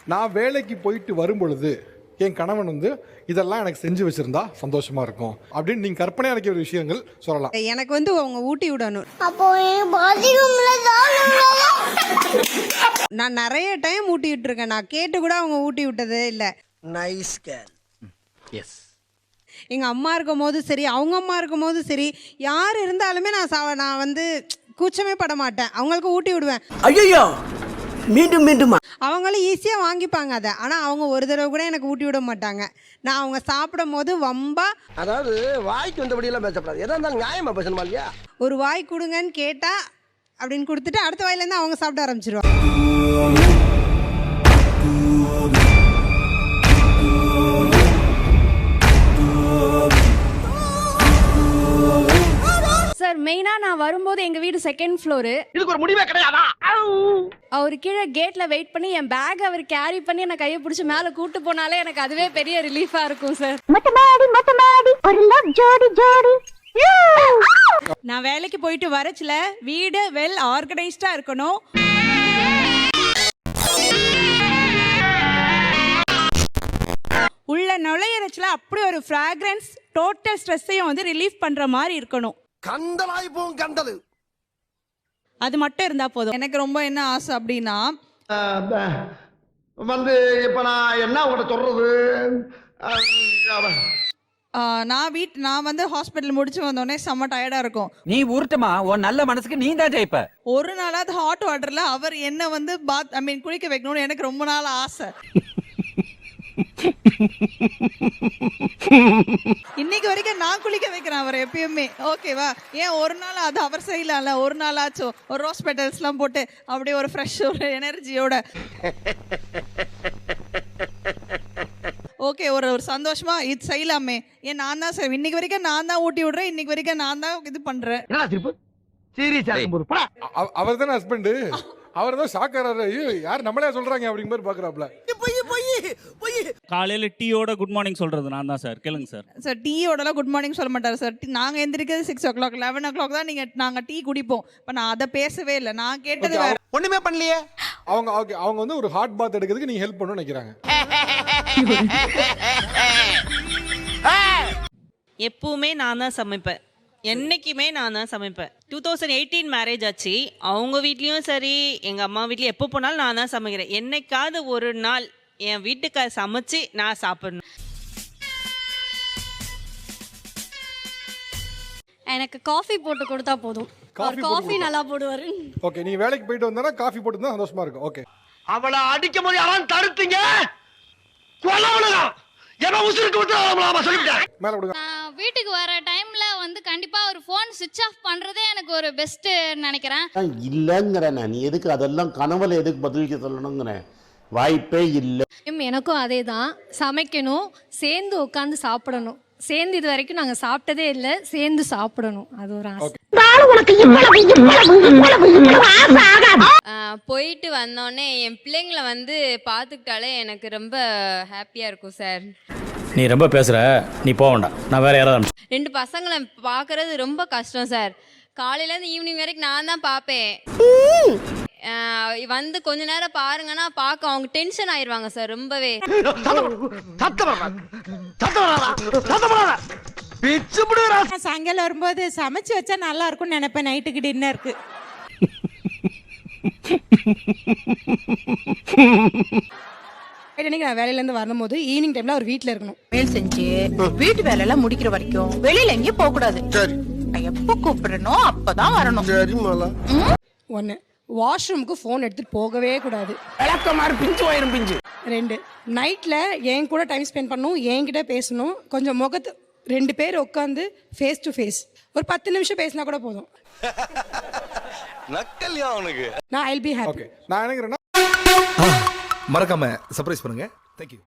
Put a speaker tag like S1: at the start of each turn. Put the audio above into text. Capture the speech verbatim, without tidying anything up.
S1: நான் வேலைக்கு போயிட்டு வரும் பொழுது என் கணவன் வந்து இதெல்லாம் எனக்கு செஞ்சு வச்சிருந்தா சந்தோஷமா இருக்கும் அப்படின்னு நீங்க கற்பனை அடைக்கிற விஷயங்கள் சொல்லலாம்.
S2: எனக்கு வந்து அவங்க ஊட்டி விடணும்.
S3: அப்போ
S2: நான் நிறைய டைம் ஊட்டி விட்டுருக்கேன். நான் கேட்டு கூட அவங்க ஊட்டி விட்டதே இல்லை.
S4: Nice girl.
S5: எஸ்.
S2: எங்க அம்மா இருக்கும் போது சரி, அவங்க அம்மா இருக்கும் போது சரி, யார் இருந்தாலுமே நான் சா நான் வந்து கூச்சமே பட மாட்டேன். அவங்களுக்கு ஊட்டி விடுவேன்.
S4: ஐயோ மீண்டும் மீண்டும்
S2: அவங்களும் ஈஸியாக வாங்கிப்பாங்க அதை. ஆனால் அவங்க ஒரு தடவை கூட எனக்கு ஊட்டி விட மாட்டாங்க. நான் அவங்க சாப்பிடும் போது வம்பா,
S4: அதாவது வாய்க்கு வந்தபடியெல்லாம் பேசக்கூடாது. எதா இருந்தாலும் நியாயமா பேசணுமா இல்லையா?
S2: ஒரு வாய் கொடுங்கன்னு கேட்டா அப்படின்னு கொடுத்துட்டு அடுத்த வாயிலேருந்து அவங்க சாப்பிட ஆரம்பிச்சிருவாங்க.
S6: சார் மெயினா நான் வரும்போது எங்க வீடு செகண்ட் ஃப்ளோரு.
S4: இதுக்கு ஒரு முடிவே கிடையாதா?
S6: அவர் கீழே கேட்ல வெயிட் பண்ணி என் பேக் அவர் கேரி பண்ணி என்ன கையை பிடிச்சி மேல கூட்டு போனாலே எனக்கு அதுவே பெரிய ரிலீஃபா இருக்கும் சார்.
S2: நான் வேலைக்கு போயிட்டு வரச்சுல வீடு வெல் ஆர்கனைஸ்டா இருக்கணும். உள்ள நுழையறச்சுல அப்படி ஒரு ஃப்ராக்ரன்ஸ் டோட்டல் ஸ்ட்ரெஸ்ஸையும் வந்து ரிலீஃப் பண்ற மாதிரி இருக்கணும்.
S4: கந்தலாய் போம் கந்தலு.
S2: அது மட்டும் இருந்தா போதும். எனக்கு ரொம்ப என்ன ஆசை அப்படின்னா
S4: வந்து இப்ப நான் என்ன உங்கள்ட்ட சொல்றது,
S2: நான் வீட் நான் வந்து ஹாஸ்பிட்டல் முடிச்சு வந்தோடனே செம்ம டயர்டா இருக்கும்.
S5: நீ உருட்டுமா, உன் நல்ல மனசுக்கு நீ தான் ஜெயிப்ப.
S2: ஒரு நாளாவது ஹாட் வாட்டர்ல அவர் என்ன வந்து பாத் ஐ மீன் குளிக்க வைக்கணும்னு எனக்கு ரொம்ப நாள் ஆசை. இன்னைக்கு வரைக்கும் நான் குளிக்க வைக்கிறேன் அவர் எப்பயுமே. ஓகேவா? ஏன் ஒரு நாள் அது அவர் செய்யலாம்ல, ஒரு நாள் ஆச்சும் ஒரு ரோஸ் பெட்டல்ஸ் எல்லாம் போட்டு அப்படியே ஒரு ஃப்ரெஷ் ஒரு எனர்ஜியோட ஓகே ஒரு ஒரு சந்தோஷமா இது செய்யலாமே. ஏன் நான் தான் சார் இன்னைக்கு வரைக்கும் நான் தான் ஊட்டி விடுறேன். இன்னைக்கு வரைக்கும் நான் தான் இது பண்றேன்.
S1: அவர் தானே ஹஸ்பண்ட். அவர் தான் ஷாக்கராரு. ஐயோ யார் நம்மளே சொல்றாங்க அப்படிங்கிற மாதிரி பாக்குறாப்ல.
S7: காலையில டீயோட குட் மார்னிங் சொல்றது நான் தான் சார். கேளுங்க சார்.
S2: சார் டீயோடலாம் குட் மார்னிங் சொல்ல மாட்டார் சார். நாங்க எந்திரிக்கிறது six o'clock eleven o'clock தான் நீங்க நாங்க டீ குடிப்போம். இப்போ நான் அதை பேசவே இல்லை. நான் கேட்டது வேற.
S4: ஒண்ணுமே பண்ணலையே.
S1: அவங்க ஓகே அவங்க வந்து ஒரு ஹாட் பாத் எடுக்கிறதுக்கு நீங்க ஹெல்ப் பண்ணணும்னு நினைக்கிறாங்க.
S8: எப்பவுமே நான் தான் சமைப்பேன். என்னைக்குமே நான் தான் சமைப்பேன். டூ தௌசண்ட் எயிட்டீன் மேரேஜ் ஆச்சு. அவங்க வீட்லேயும் சரி எங்கள் அம்மா வீட்லேயும் எப்போ போனாலும் நான் தான் சமைக்கிறேன். என்னைக்காவது ஒரு நாள் என் வீட்டுக்கு சமைச்சு நான் சாப்பிடணும்.
S6: எனக்கு காஃபி போட்டு கொடுத்தா போதும். காஃபி நல்லா போடுவாரு.
S1: ஓகே நீ வேலைக்கு போயிட்டு வந்தா காஃபி போட்டு இருந்தா சந்தோஷமா இருக்கும். ஓகே
S4: அவளை அடிக்கும் போது யாரும் தடுத்தீங்க? கொல்லவனுங்க எவன் உசுருக்கு விட்டுறாமலாமா சொல்லிட்டேன்.
S1: மேல விடுங்க.
S9: நான் வீட்டுக்கு வர டைம்ல வந்து கண்டிப்பா ஒரு ஃபோன் ஸ்விட்ச் ஆஃப் பண்றதே எனக்கு ஒரு பெஸ்ட் நினைக்கிறேன்.
S10: இல்லங்கிறேன். நீ எதுக்கு அதெல்லாம் கனவுல எதுக்கு பதிலுக்கு சொல்லணுங்கிறேன். வாய்ப்பே இல்லை.
S6: எனக்கும் அதே தான். சமைக்கணும், சேர்ந்து உட்காந்து சாப்பிடணும். சேர்ந்து இது வரைக்கும் நாங்க சாப்பிட்டதே இல்லை. சேர்ந்து சாப்பிடணும், அது ஒரு ஆசை.
S9: போயிட்டு வந்தோடனே என் பிள்ளைங்களை வந்து பார்த்துக்கிட்டாலே எனக்கு ரொம்ப ஹாப்பியா இருக்கும் சார்.
S5: நீ ரொம்ப பேசுற, நீ போக வேண்டாம். நான் வேற யாராவது.
S9: ரெண்டு பசங்களை பார்க்கறது ரொம்ப கஷ்டம் சார். காலையிலேருந்து ஈவினிங் வரைக்கும் நான் தான் பார்ப்பேன். வந்து கொஞ்ச நேரம் பாருங்கன்னா பார்க்க அவங்க டென்ஷன் ஆயிடுவாங்க சார் ரொம்பவே.
S2: சாயங்காலம் வரும்போது சமைச்சு வச்சா நல்லா இருக்கும்னு நினைப்பேன். நைட்டுக்கு டின்னருக்கு நான் வேலையிலேருந்து வரும்போது ஈவினிங் டைம்ல அவர் வீட்டில் இருக்கணும்.
S11: மேல் செஞ்சு வீட்டு வேலை எல்லாம் முடிக்கிற வரைக்கும் வெளியில எங்கேயும் போக கூடாது. சரி எப்ப கூப்பிடணும் அப்பதான் வரணும். சரி மாலா.
S2: ஒன்று வாஷ்ரூமுக்கு ஃபோன் எடுத்துட்டு போகவே கூடாது.
S4: பிஞ்சு வயிறும் பிஞ்சு.
S2: ரெண்டு நைட்டில் என் கூட டைம் ஸ்பெண்ட் பண்ணணும், என்கிட்ட பேசணும். கொஞ்சம் முகத்து ரெண்டு பேர் உட்காந்து ஃபேஸ் டு ஃபேஸ் ஒரு பத்து நிமிஷம் பேசினா கூட போதும்.
S4: நக்கல்யா அவனுக்கு.
S2: நான் ஐல் பி ஹாப்பி.
S1: ஓகே நான் நினைக்கிறேன்னா
S12: மறக்காம சர்ப்ரைஸ் பண்ணுங்க. தேங்க்யூ.